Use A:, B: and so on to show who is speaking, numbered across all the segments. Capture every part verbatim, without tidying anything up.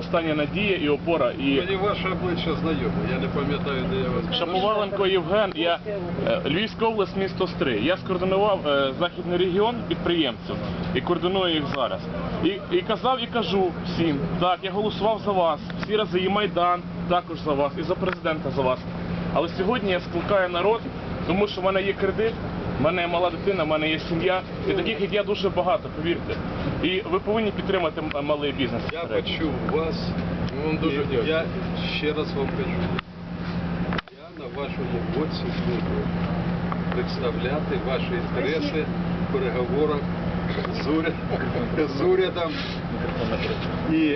A: остання надія і опора. І...
B: Мені ваше обличчя знайоме, я не пам'ятаю, де я вас...
A: Шаповаленко Євген, я е, Львівська область, місто Стрий. Я скоординував е, західний регіон підприємців і координую їх зараз. І, і казав, і кажу всім, так, я голосував за вас, всі рази, і Майдан також за вас, і за президента за вас. Але сьогодні я скликаю народ, тому що в мене є кредит, в мене є мала дитина, в мене є сім'я, і таких як я дуже багато, повірте. І ви повинні підтримати малий бізнес.
B: Я почув вас, і я ще раз вам кажу, я на вашому боці буду представляти ваші інтереси в переговорах з урядом, з урядом. І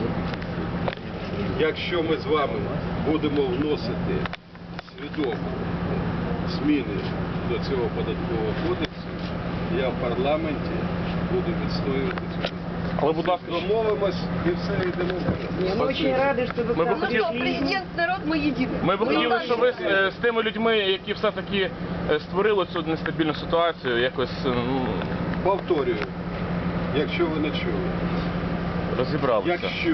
B: якщо ми з вами будемо вносити свідомо зміни до цього податкового кодексу, я в парламенті буду відстоювати цю.
A: Але, будь ласка,
B: домовимось і все, йдемо.
C: Я очень рада, что вы
A: Ми б
C: к нам
A: хотіли-
C: пришли.
D: Президент, народ, ми єдині.
A: Ми б хотіли, щоб ви е, з тими людьми, які все-таки е, створили цю нестабільну ситуацію, якось е, ну,
B: Повторюю, якщо ви не чули,
A: розібралися.
B: якщо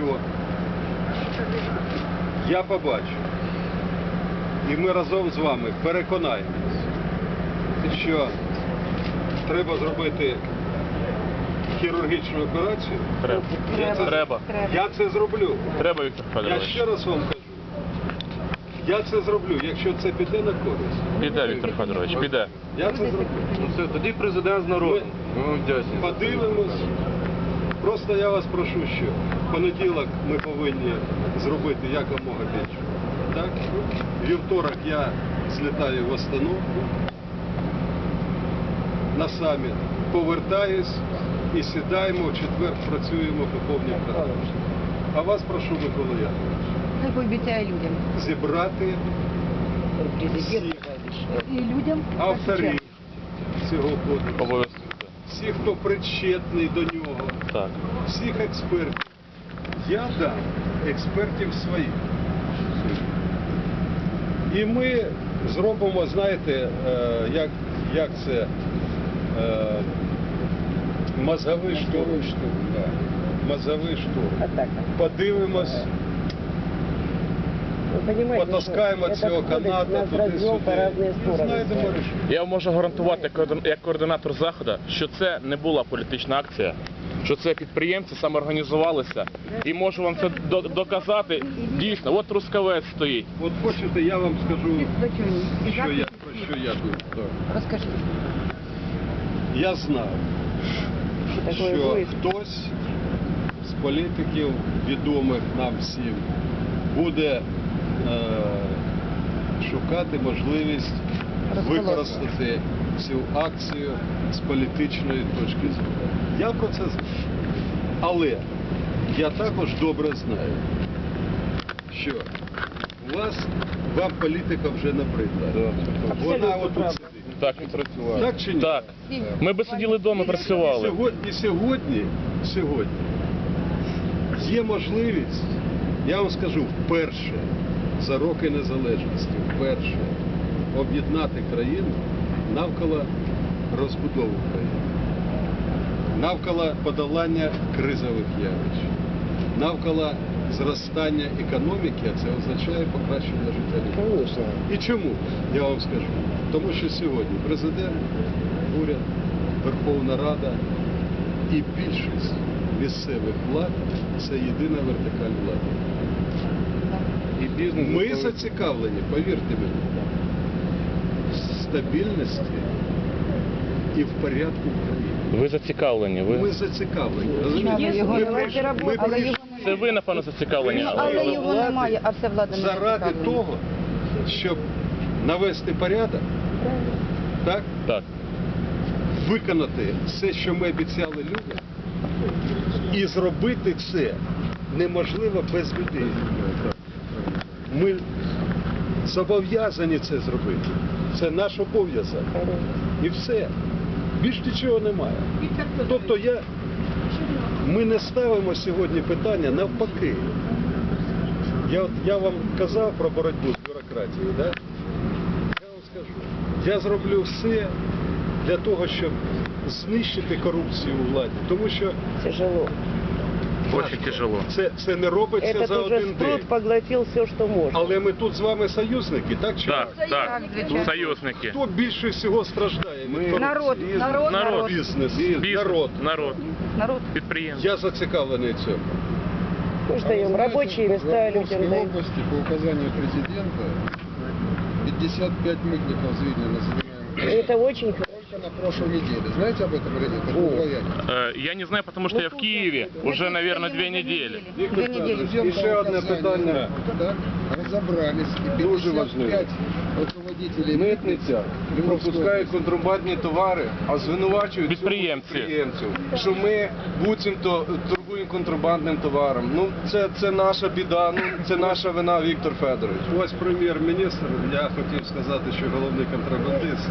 B: я побачу, і ми разом з вами переконаємось, що треба зробити хірургічну операцію,
A: Треба.
B: Я це-
A: Треба.
B: я це зроблю.
A: Треба, Віктор
B: Я
A: Федорович.
B: ще раз вам кажу, я це зроблю, якщо це піде на користь.
A: Піде, Віктор Федорович, піде.
B: Я це зроблю.
E: Ну все, тоді президент з народом. Ми вам вдячні.
B: Подивимось. Просто я вас прошу, що в понеділок ми повинні зробити якомога більше. Так? Вівторок я злітаю в Астану на саміт, повертаюсь і сідаємо, в четвер працюємо по повній програмі. А вас прошу, Микола Яковлевич,
C: Хай пообіцяє людям.
B: зібрати всіх
C: І людям.
B: авторів цього кодексу,
A: Обов'язково.
B: всіх, хто причетний до нього,
A: Так.
B: всіх експертів. Я дам експертів своїх. І ми зробимо, знаєте, е, як, як це, е, мозговий штурм. Да. Мозговий штурм. Подивимось, потаскаємо цього каната туди-сюди і знайдемо рішення.
A: Я вам можу гарантувати, координ- як координатор Заходу, що це не була політична акція, що це підприємці самоорганізувалися. І можу вам це до- доказати. Дійсно, от Трускавець стоїть.
B: От хочете, я вам скажу,
C: І
B: що я, про що я думаю. Да.
C: Розкажіть,
B: Я знав,
C: що таке
B: що
C: виїзд.
B: хтось з політиків, відомих нам всім, буде е, шукати можливість використати цю акцію з політичної точки зору. Я про це знаю. Але я також добре знаю, що у вас, вам політика вже набридла. Вона отут сидить.
A: Так,
B: Так чи ні?
A: так. Ми би сиділи вдома, працювали.
B: Сьогодні, сьогодні, сьогодні є можливість, я вам скажу, вперше за роки незалежності, вперше об'єднати країну навколо розбудови країни, навколо подолання кризових явищ, навколо зростання економіки, а це означає покращення життя людей. І чому? Я вам скажу. Тому що сьогодні президент, уряд, Верховна Рада і більшість місцевих влад – це єдина вертикаль влади.
E: І бізнес.
B: Ми зацікавлені, повірте мені, в стабільності і в порядку в країні.
A: Ви зацікавлені.
B: Ми
A: Ви...
B: зацікавлені.
C: Але
B: розумієте?
C: його
B: Ми
C: немає
B: прийшли-
C: роботи,
B: ми
C: але
B: прийшли
C: його немає.
A: Це ви, напевно, зацікавлені.
C: Але його немає, а вся влада не
B: заради
C: зацікавлена.
B: того, щоб навести порядок, так?
A: Так.
B: Виконати все, що ми обіцяли людям, і зробити це неможливо без людей. Ми зобов'язані це зробити. Це наш обов'язок. І все. Більш нічого немає. Тобто я, ми не ставимо сьогодні питання навпаки. Я, от, я вам казав про боротьбу з бюрократією, да? Я вам скажу, я зроблю все для того, щоб знищити корупцію у владі. Тому що
C: Тяжело.
A: Очень тяжело.
B: Це, це не робиться
D: Этот
B: за
D: уже
B: один
D: спрут
B: день.
D: поглотил все, что может.
B: Але ми тут з вами союзники, так чи
A: Так,
B: ні?
A: так,
C: звичайно.
A: союзники.
B: Хто більше всього страждає від корупції?
C: Народ, народ,
A: Народ.
B: Бізнес,
A: Бізнес,
B: народ.
A: народ,
C: народ.
A: підприємці.
B: Я зацікавлений в цьому.
D: Мы ж даем рабочие места
F: в
D: людям
F: Московской
D: даем.
F: области по указанию президента пятьдесят пять мытников Звильнина занимаем.
D: Это очень хорошо.
F: Только на прошлой неделе. Знаете об этом или нет? Это
D: О.
F: удвоение.
A: Е, Я не знаю, потому что я в Киеве уже, наверное, две недели.
C: Две недели.
F: Президента
E: І ще одне
F: указания,
E: питання.
F: так, разобрались. И
E: Дуже
F: пятьдесят
E: важливе.
F: пять руководителей
E: Митниця пропускає контрабандні товари, а звинувачують
A: Підприємці.
E: цього підприємців, що ми буцімто торгуємо контрабандним товаром. Ну це, це наша біда, ну це наша вина, Віктор Федорович.
B: Ось прем'єр-міністр, я хотів сказати, що головний контрабандист.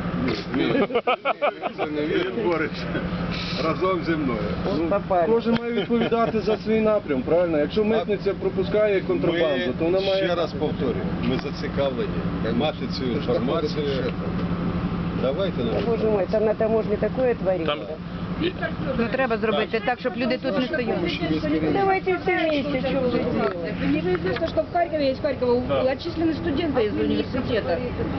E: Це не він.
B: Він бореться разом зі мною.
E: Ну,
D: Попали.
E: кожен має відповідати за свій напрям, правильно? Якщо митниця пропускає контрабанду, то вона
B: Ми,
E: має...
B: ще раз повторюю, ми зацікавлені мати цю інформацію. Давайте нам.
D: Боже мой, там на таможне такое творится.
A: Там
C: Ну треба зробити так, щоб люди тут не стояли.
D: Ну, давайте все вместе, что вы делаете.
G: Мне же известно, что в Харькове есть Харькова отчислены студенты из университета.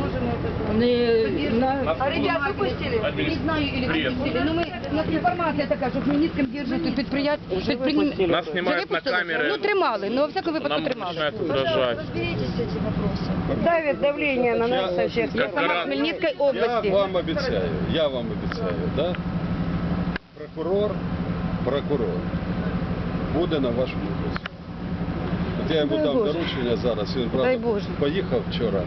G: Они на...
C: А ребят выпустили? Не знаю, или
A: Привет.
C: выпустили. Ну, мы, у нас информация такая, что Хмельницким держат тут предприятие.
D: Уже выпустили.
A: нас знімають на камери,
C: Ну, тримали, ну, во всякому випадку
A: нам
C: тримали.
A: починають угрожати.
D: Давит давление на нас со всех
A: Как
D: сторон.
C: Сама
A: раз.
C: Хмельницької
B: Я
C: області.
B: вам обіцяю, я вам обіцяю, да? Прокурор, прокурор буде на вашому боці. От я йому
C: Дай
B: дам
C: Боже.
B: доручення зараз, він
C: Дай
B: правда
C: Боже.
B: поїхав вчора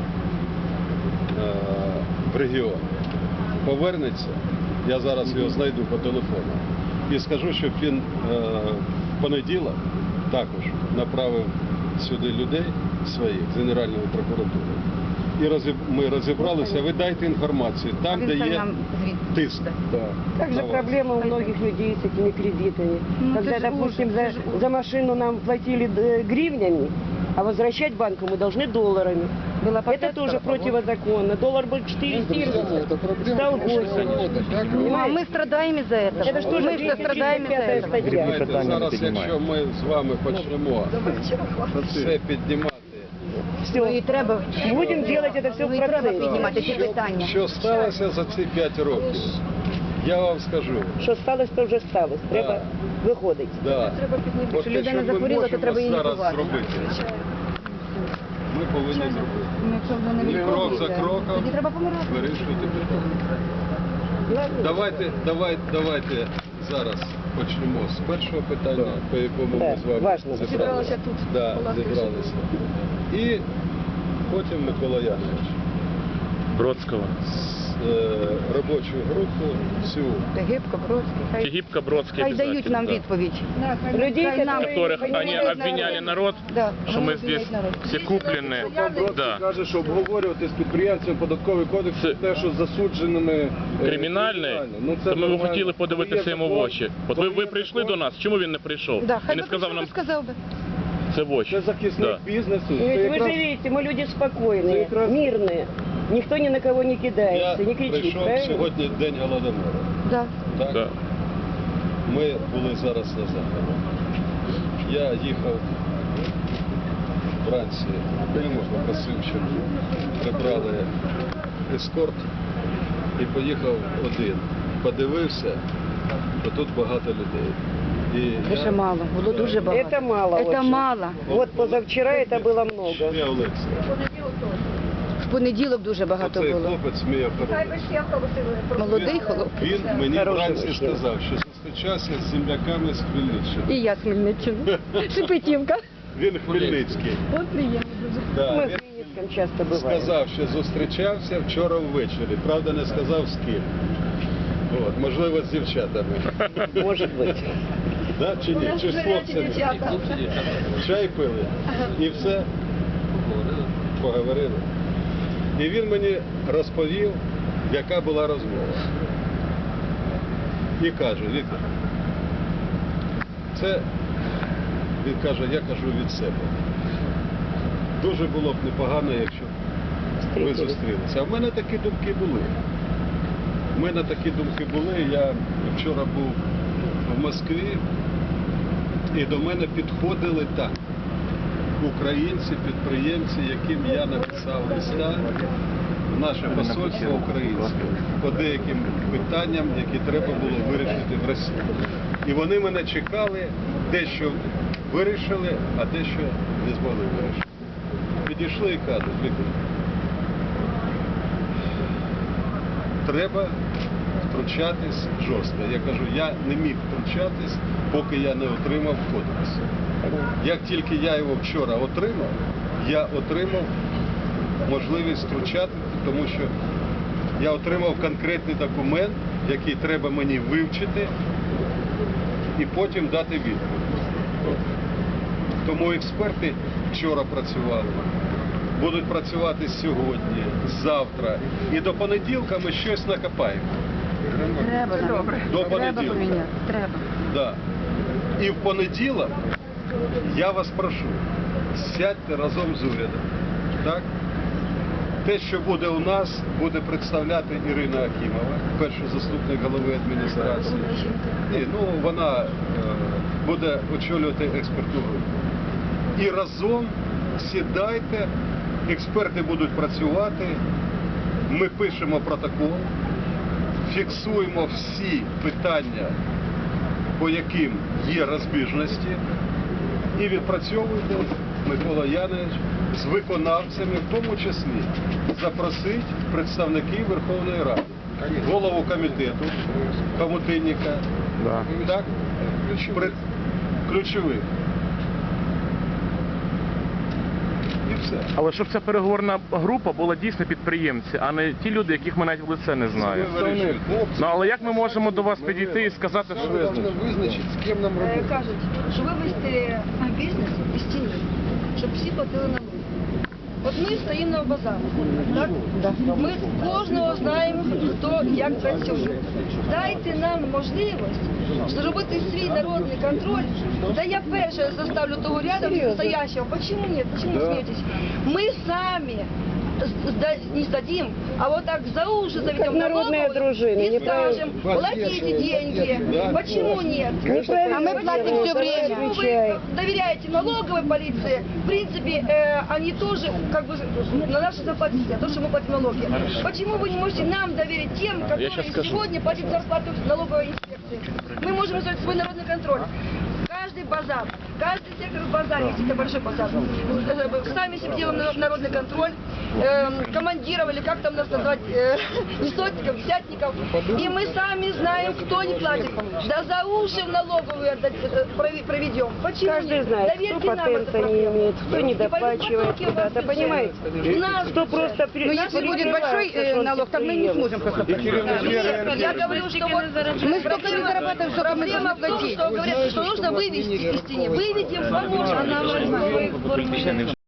B: е, в регіон. Повернеться, я зараз його знайду по телефону і скажу, щоб він е, в понеділок також направив сюди людей своїх з Генеральної прокуратури. І розіб- ми розібралися, ви дайте інформацію, там,
C: А
B: де
C: він сам
B: є
C: нам звідти.
B: тиск.
D: Также
B: Давай.
D: проблема у многих людей с этими кредитами.
C: Ну,
D: Когда,
C: это ж
D: допустим,
C: ужас,
D: за,
C: это ж ужас.
D: за машину нам платили э, гривнями, а возвращать банку мы должны долларами.
C: Была
D: Это
C: попытка,
D: тоже
C: а вот-
D: противозаконно. Доллар был четыре
F: Друзья, это проблема
D: стал
F: прошлого
D: восемь.
F: года. Как вы
C: Ну, а мы страдаем из-за этого.
D: Это что же
C: мы все страдаем из-за
D: двести
C: этого.
D: тридцать пятая статья.
B: Знаєте, зараз, якщо ми з вами почнемо все піднімати,
C: Ну, і треба.
D: Будем делать это все в
C: Ну, і треба
D: процессе.
C: піднімати ці питання.
B: що сталося за ці п'ять років, я вам скажу.
D: Що сталося, то вже сталося. Треба виходити.
B: Да.
C: Треба піднімати.
B: От
C: Якщо
B: те,
C: людина
B: що ми
C: захворіла, то
B: можемо
C: треба її
B: зараз
C: лікувати.
B: зробити, ми повинні зробити.
C: Ну, якщо вже не
B: І крок за
C: відповідає,
B: кроком
C: тоді треба помирати.
B: вирішувати питання. Давайте, давайте, давайте зараз почнемо з першого питання, по якому ми
D: Так,
B: з вами
D: важно.
B: зібралися.
C: Зібралися тут,
B: Да,
C: по ласки
B: зібралися. І потім Микола Янович
A: Бродського.
B: з е, робочу групу всю.
C: Та Гибко, Бродський, хай,
A: Тегибко, Бродский
C: хай дають
A: обязательно,
C: нам
A: да.
C: відповідь.
D: Людей,
C: Хай нам-
A: Которых они
C: Понимаете,
A: обвиняли народ,
C: Да,
A: что
C: они
A: мы здесь
C: обвиняют народ.
A: все куплены.
E: Бродський
A: Да.
E: каже, що обговорювати з підприємцями податковий кодекс
A: Це-
E: те, що засудженими е,
A: Кримінальний,
E: Ну, це
A: то ми б
E: нормально.
A: хотіли подивитися
E: Є
A: йому в
E: закон,
A: очі. От ви,
E: є
A: ви прийшли
E: закон.
A: до нас, чому він не прийшов?
C: Да,
A: І
C: хай
A: не
C: би
A: сказав
C: прийшов,
A: нам
C: би сказав би.
A: це в очі.
E: Це захисник
A: Да.
E: бізнесу. Це
D: Ведь вы
E: якраз-
D: же видите, мы люди спокойные,
E: Это как раз-
D: мирные. Никто ни на кого не
B: Я
D: кидается, не кричит.
B: прийшов
D: правильно?
B: сьогодні День Голодомору.
C: Да.
B: Так?
A: Да.
B: Ми були зараз на заході. Я їхав вранці, Климов попросив, щоб прибрали ескорт і поїхав один. Подивився, то тут багато людей. І
C: Дуже
B: я-
C: мало, було
B: Да.
C: дуже багато.
D: Это мало
C: Это
D: очень.
C: мало.
D: Вот позавчера это было много.
B: Ще Олексій.
C: В понеділок дуже багато
B: Оцей
C: було.
B: хлопець мій охоронець.
C: Молодий хлоп.
B: Він мені
D: Хороший
B: вранці
D: мужчина.
B: сказав, що зустрічався з земляками з Хмельниччини.
C: І я з Хмельниччини. Шепетівка.
B: Він Хмельницький.
C: От приємно дуже.
B: Да,
D: Мы
B: він
D: в Хмельницком часто бываем.
B: сказав, що зустрічався вчора ввечері. Правда, не сказав з ким. От, можливо, з дівчатами.
D: Может быть.
B: Да, чи ні? Чи з хлопцями? Чай пили. І все. Поговорили. І він мені розповів, яка була розмова. І каже, Віктор, це, він каже, я кажу від себе. Дуже було б непогано, якщо б ви
D: Встретились.
B: зустрілися. А в мене такі думки були. У мене такі думки були. Я вчора був в Москві І до мене підходили так. Українці, підприємці, яким я написав листа в наше посольство українське по деяким питанням, які треба було вирішити в Росії. І вони мене чекали, дещо вирішили, а дещо не змогли вирішити. Підійшли і кажуть, Віктор, треба втручатись жорстко. Я кажу, я не міг втручатись, поки я не отримав кодекс. Як тільки я його вчора отримав, я отримав можливість втручати, тому що я отримав конкретний документ, який треба мені вивчити і потім дати відповідь. Тому експерти вчора працювали, будуть працювати сьогодні, завтра. І до понеділка ми щось накопаємо.
C: Треба, добре.
B: До
C: Треба
B: понеділка.
C: поміняти, треба.
B: Да. І в понеділок я вас прошу, сядьте разом з урядом. Так? Те, що буде у нас, буде представляти Ірина Акімова, перший заступник голови адміністрації. Ні, ну, вона е, буде очолювати експертну групу. І разом сідайте, експерти будуть працювати, ми пишемо протокол, фіксуємо всі питання, по яким є розбіжності, і відпрацьовуйте, Микола Янович, з виконавцями, в тому числі запросить представників Верховної Ради, голову комітету, Хомутинніка, так, При- ключових. І все.
A: Але щоб ця переговорна група була дійсно підприємці, а не ті люди, яких ми навіть в лице не знаємо. Ну але як ми можемо до вас підійти і сказати, що
F: Мы должны вызначить, с кем нам
H: Е,
F: работать.
H: Кажуть, що вивести бізнес із тіні, щоб всі платили налоги. От ми стоїмо на базарі, так? Ми кожного знаємо, хто і як працює. Дайте нам можливість зробити свій народний контроль. Да я перша заставлю того рядом стоящего. Почему нет? Почему смеетесь? Мы сами сда- не сдадим, а вот так за уши заведем
D: народные
H: налоговую
D: дружины,
H: и
D: неправильно.
H: скажем, платите деньги. Почему нет?
D: Неправильно
H: А мы платим
D: делают,
H: все время.
D: отвечай.
H: Почему вы доверяете налоговой полиции? В принципе, э, они тоже как бы на наши зарплаты сидят, то, что мы платим налоги. Почему вы не можете нам доверить тем, которые
A: щас скажу.
H: сегодня платят зарплату налоговой инспекции? Мы можем сделать свой народный контроль. Каждый базар, каждый сектор в базаре, если это большой базар, э, сами себе делаем народный контроль, э, командиров, или как там нас назвать, э, не сотников, десятников, и мы сами знаем, кто не платит. Да за уши в налоговую отдать, э, прови- проведем. Почему
D: Каждый
H: нет?
D: знает, кто
H: Доверьте нам
D: патента
H: эту
D: не
H: проблему.
D: имеет, кто не
H: И пойдут
D: доплачивает
H: потоки в
D: куда-то,
H: ваш бюджет.
D: понимаете?
H: В наш
D: Кто
H: бюджет.
D: просто при-
C: Но если будет большой э, налог, то мы не сможем просто платить.
H: Нет, я говорю, что вот
C: Мы столько не зарабатываем, что мы
H: проблема в том,
C: платить.
H: что говорят, что нужно вывести из тени. Выведем, поможем.